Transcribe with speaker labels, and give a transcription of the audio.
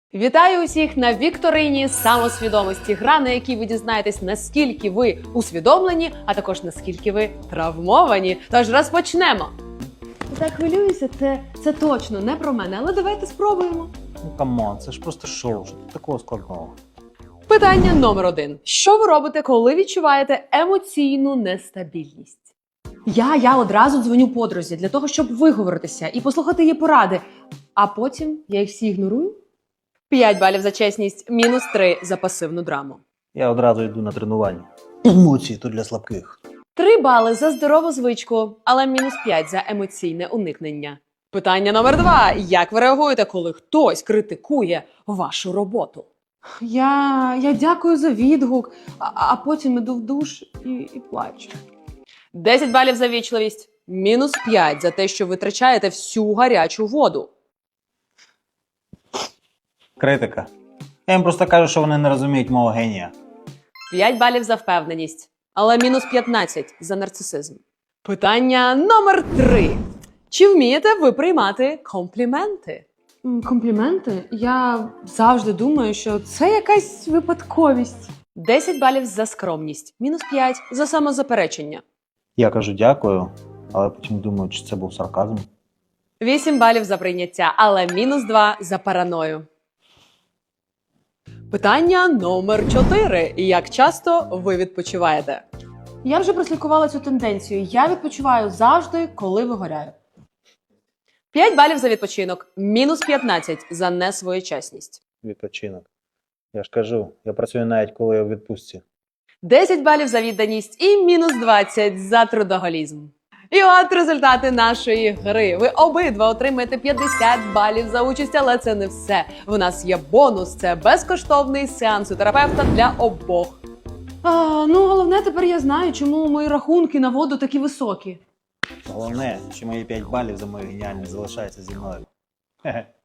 Speaker 1: Вітаю усіх на вікторині самосвідомості. Гра, на якій ви дізнаєтесь, наскільки ви усвідомлені, а також наскільки ви травмовані. Тож розпочнемо. Так хвилююся, це точно не про мене, але давайте спробуємо.
Speaker 2: Ну камон, це ж просто шоу, що тут такого складного.
Speaker 1: Питання номер 1. Що ви робите, коли відчуваєте емоційну нестабільність? Я одразу дзвоню подрузі для того, щоб виговоритися і послухати її поради. А потім я їх всі ігнорую. 5 балів за чесність, мінус 3 за пасивну драму.
Speaker 2: Я одразу йду на тренування. Емоції то для слабких.
Speaker 1: 3 бали за здорову звичку, але мінус 5 за емоційне уникнення. Питання номер 2. Як ви реагуєте, коли хтось критикує вашу роботу? Я дякую за відгук, а потім іду в душ і плачу. 10 балів за вічливість, мінус 5 за те, що витрачаєте всю гарячу воду.
Speaker 2: Критика. Я їм просто кажу, що вони не розуміють мого генія.
Speaker 1: 5 балів за впевненість, але мінус 15 за нарцисизм. Питання номер 3. Чи вмієте ви приймати компліменти? Компліменти? Я завжди думаю, що це якась випадковість. 10 балів за скромність, мінус 5 за самозаперечення.
Speaker 2: Я кажу дякую, але потім думаю, чи це був сарказм.
Speaker 1: 8 балів за прийняття, але мінус 2 за параною. Питання номер 4. Як часто ви відпочиваєте? Я вже прослідкувала цю тенденцію. Я відпочиваю завжди, коли вигоряю. 5 балів за відпочинок, мінус 15 за несвоєчасність.
Speaker 2: Відпочинок. Я ж кажу, я працюю навіть коли я у відпустці.
Speaker 1: 10 балів за відданість і мінус 20 за трудоголізм. І от результати нашої гри. Ви обидва отримаєте 50 балів за участь, але це не все. В нас є бонус – це безкоштовний сеанс у терапевта для обох. Головне, тепер я знаю, чому мої рахунки на воду такі високі.
Speaker 2: Головне, що мої 5 балів за мою геніальність залишаються зі мною. Хе-хе.